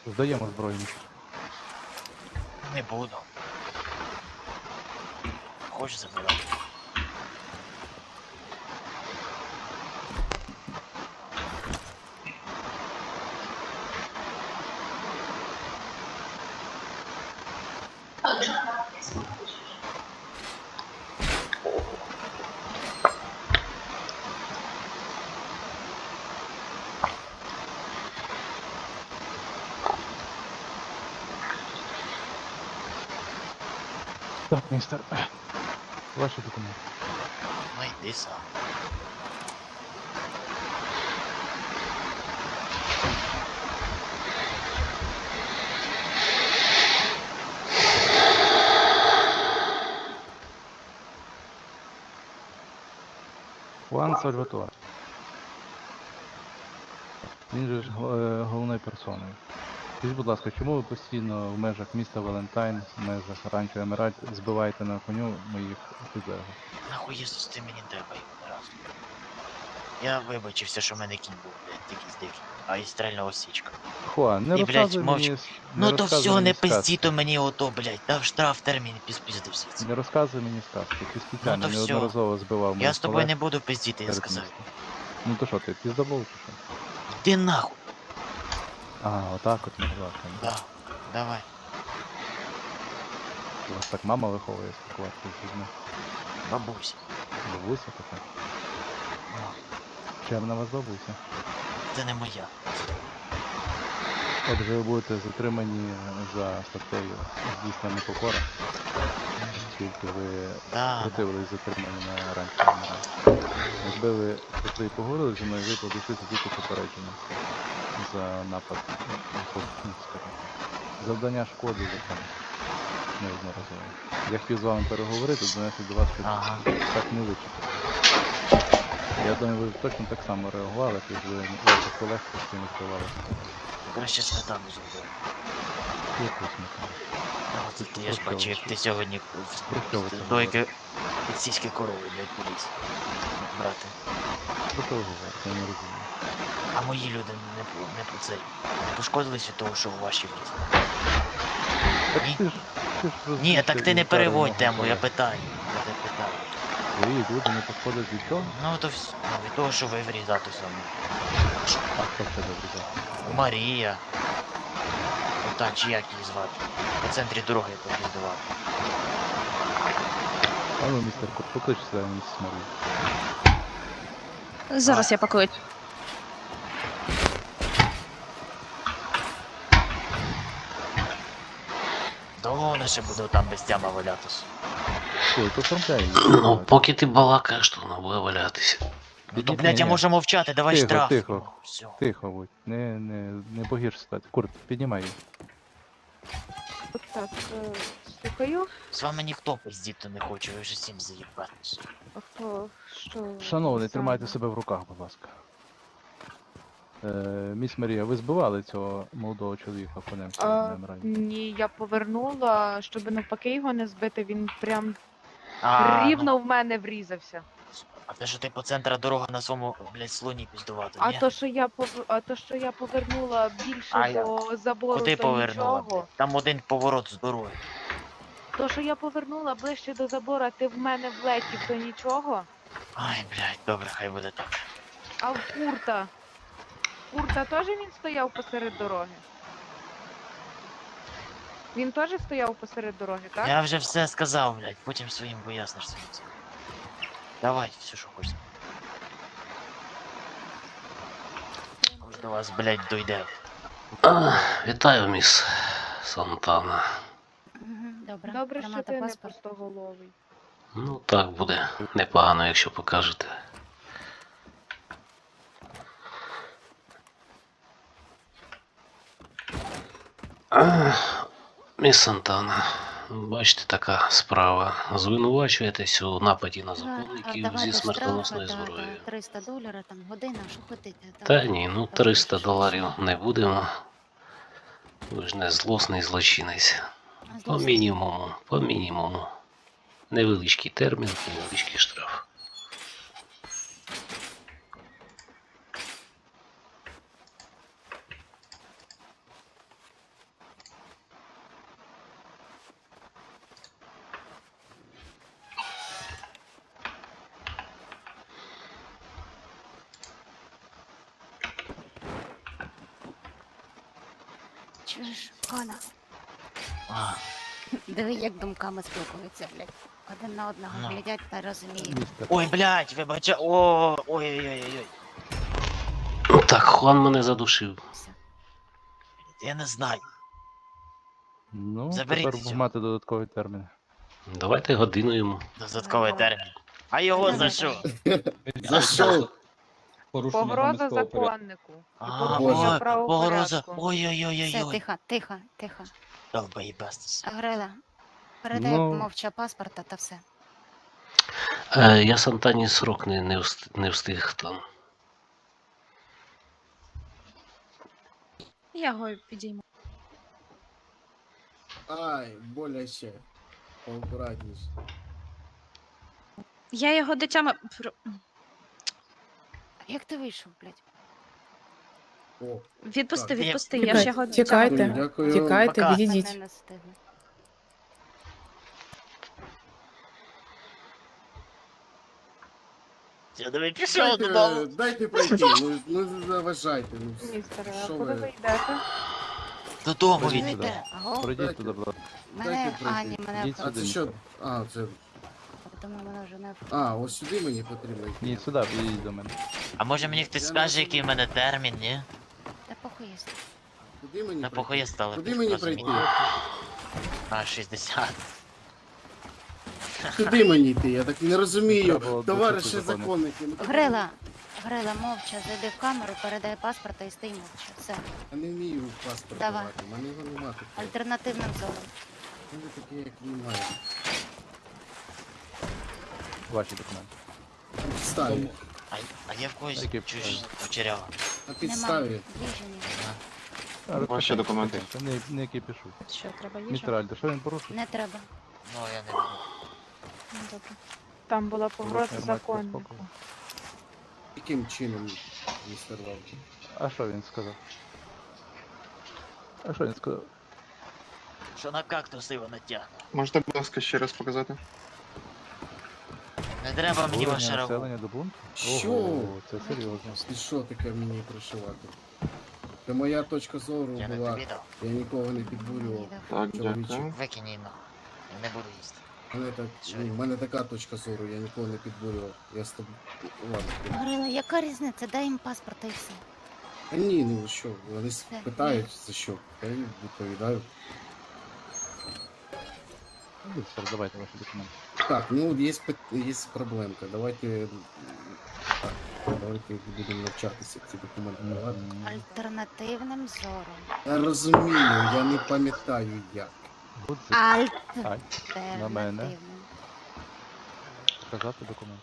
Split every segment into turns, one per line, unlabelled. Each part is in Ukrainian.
Здаємо зброю.
Не буду. Хочеш забирати?
Так, містер. Ваші документи.
Ну йди сам.
Хуан Сальваторе. Він же ж головною персоною. Скажіть, будь ласка, чому ви постійно в межах міста Валентайн, в межах Ранчо Емеральд збиваєте на коню моїх підлеглих?
Нахуй Єсус, ти мені треба його раз. Я вибачився, що в мене кінь був, блядь, якийсь дикий. А і стрельна осічка.
Хуан, не
І, блядь,
розказуй
мовч.
мені,
Ну то все, не пизді,
сказки.
то мені ото, блядь, дав штраф, термін і пізпіздився.
Не розказуй мені сказки. Ти спеціально
то всьо.
неодноразово збивав моїх
Я з тобою
колег
не буду пиздіти, я
серед
сказав.
міста. Ну то що, ти піздобол чи що?
Йди нахуй.
А, отак от, будь ласка.
Да, давай.
У вас так мама виховує спілкуватися з людьми.
Бабуся.
Бабуся така.
Ну,
Чемна у вас бабуся.
це не моя.
Отже, ви будете затримані за статтею здійснення непокора, оскільки ви
Да,
противились затриманню на ранчо Емеральд. Якби ви прийшли і поговорили зі мною, ви б обійшлися тільки попередження за напад, скажімо, завдання шкоди закону неодноразово. Я хотів з вами переговорити, донести до вас, щоб
Ага.
так не вичекати. Я думаю, ви б точно так само реагували, якби ваших колег постійно збивалися.
Краще сметану зробив.
Яку сметану?
От я ж бачу, як ти сьогодні
Про що ви це
в
говорите?
дойки під сільські корови, блядь, поліз. Брати.
Про що ви говорите? Я не розумію.
А мої люди не по цей. Не пошкодились від того, що у ваші влізли.
Так
Ні?
ти ж
Ні,
рознісся
так ти
і
не
вдарив
переводь
мого
тему, я
колегу.
питаю. Я тебе питаю.
Твої люди не пошкодять від чого?
Ну то все. Від того, що ви врізати саме.
А хто в тебе врізав?
Марія. Ота, чи як її звати? По центрі дороги попіздував.
А ну, містер Кот, поклич сюди місіс Марію.
Зараз я покличу.
Довго вона ще буде там без тяма валятись.
Ой, то оформляй її.
Ну, поки ти балакаєш, то вона буде валятися.
Ну то,
Ні,
блядь, я
ні.
можу мовчати, давай
Тихо,
штраф.
тихо.
Ну, все.
Тихо будь, не погірш ситуацію. Курт, піднімай її.
Так, слухаю.
З вами ніхто пиздіти не хоче, ви вже всім заїбатись.
А хто, що?
Шановний,
саме?
тримайте себе в руках, будь ласка. Міс Марія, ви збивали цього молодого чоловіка конем на Емеральді?
Ні, я повернула, щоб навпаки його не збити, він прям
А,
рівно
ну,
в мене врізався.
а те, що ти по центру дороги на своєму, блядь, слоні піздувати,
А
ні?
то, що я повернула більше
А я-
до забору,
Куди
то
повернула,
нічого.
блядь? Там один поворот з дороги.
То, що я повернула ближче до забору, а ти в мене влетів, то нічого.
Ай, блядь, добре, хай буде так.
А в Курта? Курта теж він стояв посеред дороги? Він теж стояв посеред дороги, так?
Я вже все сказав, блядь, потім своїм поясниш своїм цим. Давай, все, що хочеш. Ось до вас, блядь, дойде.
Вітаю, міс Сантана.
Добре,
Добре, що
тримати
ти не
паспорт.
пустоголовий.
Ну, так буде непогано, якщо покажете. Міс Сантана, бачите, така справа. Звинувачуєтесь у нападі на законників зі смертоносною зброєю.
$300, там година, що хотите.
Та ні, ну $300 не будемо. Ви ж не злосний злочинець. По мінімуму, по мінімуму. Невеличкий термін, невеличкий штраф.
Чуєш, Хана?
А,
Диви, як думками спілкуються, блядь. Один на одного
Ну.
глядять та розуміють.
Містер.
ой, блядь, вибача. О, ой-ой-ой-ой.
Так, Хуан мене задушив.
Все.
Я не знаю.
Ну,
Заберіть
тепер
цього.
мати додатковий термін.
Давайте годину йому.
Додатковий
Давай.
термін. А його за
Давай,
що?
За що?
Порушення
Погроза
громадського порядку.
законнику. І
А,
порушення
ой, погроза.
правопорядку.
Все,
Ой-ой-ой-ой-ой.
тихо, тихо, тихо.
Долбоєбастус.
Грила, передай
Ну.
мовча паспорта та все.
Я Сантані срок не встиг там.
Я його підійму.
Ай, боляче. Поаккуратніше.
Я його дитями.
Як ти вийшов, блядь?
О,
Відпусти,
Так.
відпусти, я ж його
Чекайте.
дитями.
дякую.
Тікайте,
Пока.
відійдіть.
Мене не встигли.
Я давай пішов додому.
Дайте пройти, ну не заважайте. Ну,
Містере, а
що
куди
ви?
ви йдете?
Додому
Пройдіть
він.
сюди.
Чуєте? Аго?
Пройдіть
Дайте.
туди, будь ласка.
Мене,
Дайте пройти.
Ані, мене
Ідіть
А
сюди.
це що? А, це.
Думаю, мене вже не
А, ось сюди мені потрібно йти.
Ні, сюди, підійдіть до мене.
А може мені хтось
Я
скаже,
не
який в мене термін, ні?
Та похуй єсть.
Куди мені
На
пройти?
похує стали.
Куди мені
розумієте?
пройти?
А, 60.
Куди мені йти? Я так і не
Треба
розумію.
було
Товариші
досвід закону.
законники. ну,
Грила, Грила, мовча, зайди в камеру, передай паспорта і стій мовча. Все.
Я не вмію паспорт
Давай.
давати. У мене його немає.
Альтернативним зором.
У мене таке, як немає.
Ваші документи.
На підставі.
А я в когось
Які
чуєш кучерява.
На
Нема.
підставі.
Їжі ні.
Ваші документи. Не кипішу.
Що, треба їжа?
Містер Альдо, що він порушив?
Не треба.
Ну, я не буду.
Ну, добре.
Там була погроза
Порушення громадського
законнику.
спокою.
Яким чином, містер Валки?
А що він сказав? А що він сказав?
Що на кактус його натягне.
Можете, будь ласка, ще раз показати?
Не треба мені
Збурення
ваше рагу.
населення до бунту?
Що?
Ого, це серйозно.
І що таке мені пришивати? Це моя точка зору
Я не
була.
тобі дав.
Я нікого не підбурював.
Так,
Чоловіче.
дякую.
Викинь її на. Я не буду їсти.
У мене така точка зору, я нікого не підбурював. Я з тобою. Ладно.
Грила, яка різниця? Дай їм паспорта і все.
А ні, ну що, вони питають за що. Я їм відповідаю.
Містер, давайте ваші документи.
Так, ну є проблемка. Давайте. Так, давайте будемо навчатися ці документи давати.
Альтернативним зором.
Я розумію, я не пам'ятаю як.
Будь Ай, на мене.
Альтернативним.
показати документи.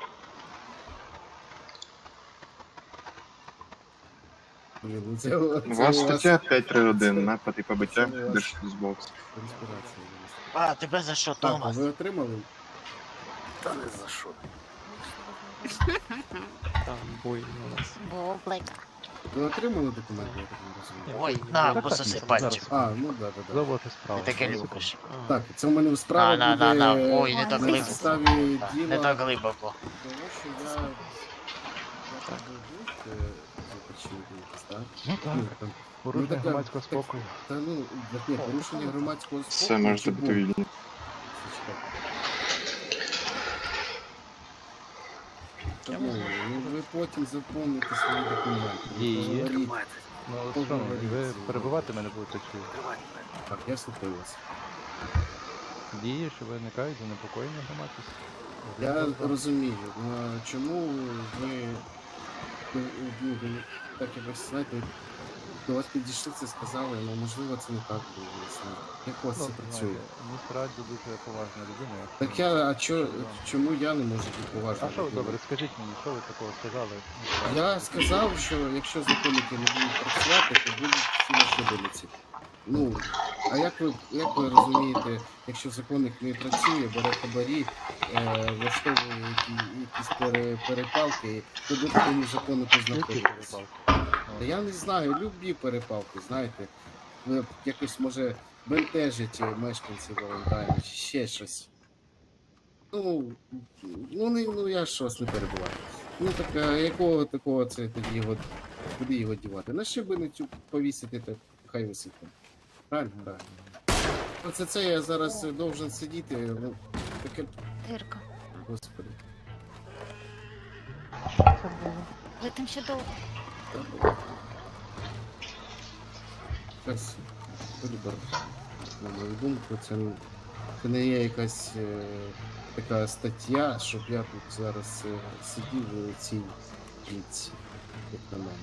Блін, ну це
У вас стаття 531, напад і побиття
Це у вас-
держслужбовця.
конспірація.
А, тебе за що,
Так, а
Томас?
ви отримали?
Бублика.
Ви отримали документи, я так не розумію?
Ой, на,
Так,
пососи
так,
пальчик.
А, ну да, да, да.
Заводити справу.
Ти таке
Одну
любиш.
секунду.
Так, це в мене справа
На.
буде
Ой, не так
на
глибоко.
підставі діла.
Не так глибоко.
Тому що я так був, започинити якось, так?
Ну так,
Ну, там,
порушення
така-
громадського спокою.
та ну, ні, порушення громадського спокою.
Все, можете
чи
бути
був?
вільні.
Зачекайте. Тому, ну ви потім заповните свої документи. ви
Є.
поговоріть.
Ну, от що, ви перебивати мене будете чи
Так, я слухаю вас.
дії, що виникають занепокоєння громадськості?
Я розумію, ну, чому ви ну, так якось, знаєте, до вас підійшли це сказали, ну можливо це не так було. Як у вас це працює?
Містер Альдо дуже поважна людина. якщо-
Так я, чому я не можу бути поважним?
А що ви, добре, скажіть мені, що ви такого сказали?
Я сказав, що якщо законники не будуть працювати, то будуть всі наші вулиці. Ну, а як ви розумієте, якщо законник не працює, бере хабарі, влаштовує якісь перепалки, то до такому законнику
Які
знаходиться?
перепалки?
Та я не знаю, любі перепалки, знаєте. Ви якось може бентежить мешканців Валентайна чи ще щось. Ну я ж вас не перебуваю. Ну так а якого такого це тоді його, куди його дівати? На шибеницю повісити, так хай висить там. Правильно? Правильно. Оце це я зараз должен сидіти, ну, таке,
Тирка.
господи.
Це було.
Ви там ще довго.
Та було. Якась вибір, на мою думку, це не є якась така стаття, щоб я тут зараз сидів у цій жінці, як на мене.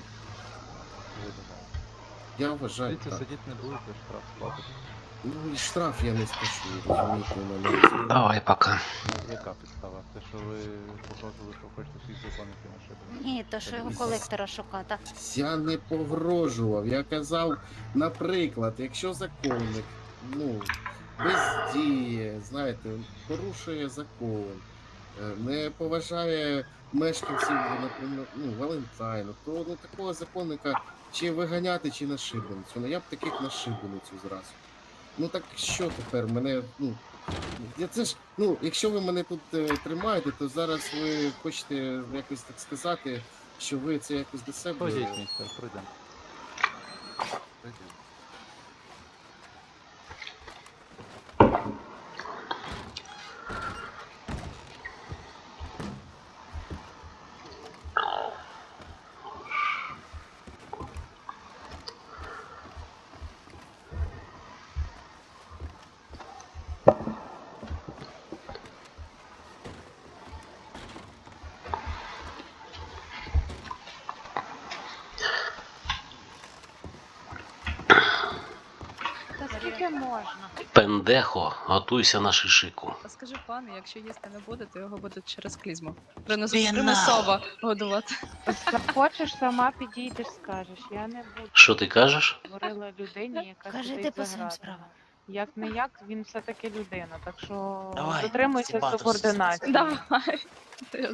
Я вважаю,
Дивіться,
так.
сидіти не будете, штраф платите.
Ну і штраф я не сплачу, розумієте, у мене.
Давай пока.
Яка підстава? Те, що ви погрожували, що хочете всіх законників на шибу?
Ні, то що його колектора шукати.
Я не погрожував, я казав, наприклад, якщо законник, ну, бездіє, знаєте, порушує закон, не поважає мешканців, наприклад, ну, Валентайну, то ну, такого законника чи виганяти, чи на шибеницю. Ну я б таких на шибеницю зразу. Ну так що тепер мене, ну, я це ж, ну, якщо ви мене тут тримаєте, то зараз ви хочете якось так сказати, що ви це якось до себе.
Ходіть, містер, пройдемо.
Та скільки можна?
Пендехо, готуйся на шишику.
А скажи пану, якщо їсти не буде, то його будуть через клізму.
Ти
Примусово годувати.
Захочеш, сама підійдеш, скажеш. Я не буду.
Що ти кажеш?
Говорила людині, яка
Кажи
сидить
ти по
за
своїм
гратами.
справам.
Як не як, він все-таки людина, так що
Давай,
дотримуйся
Сібатус.
субординації.
Давай. Ти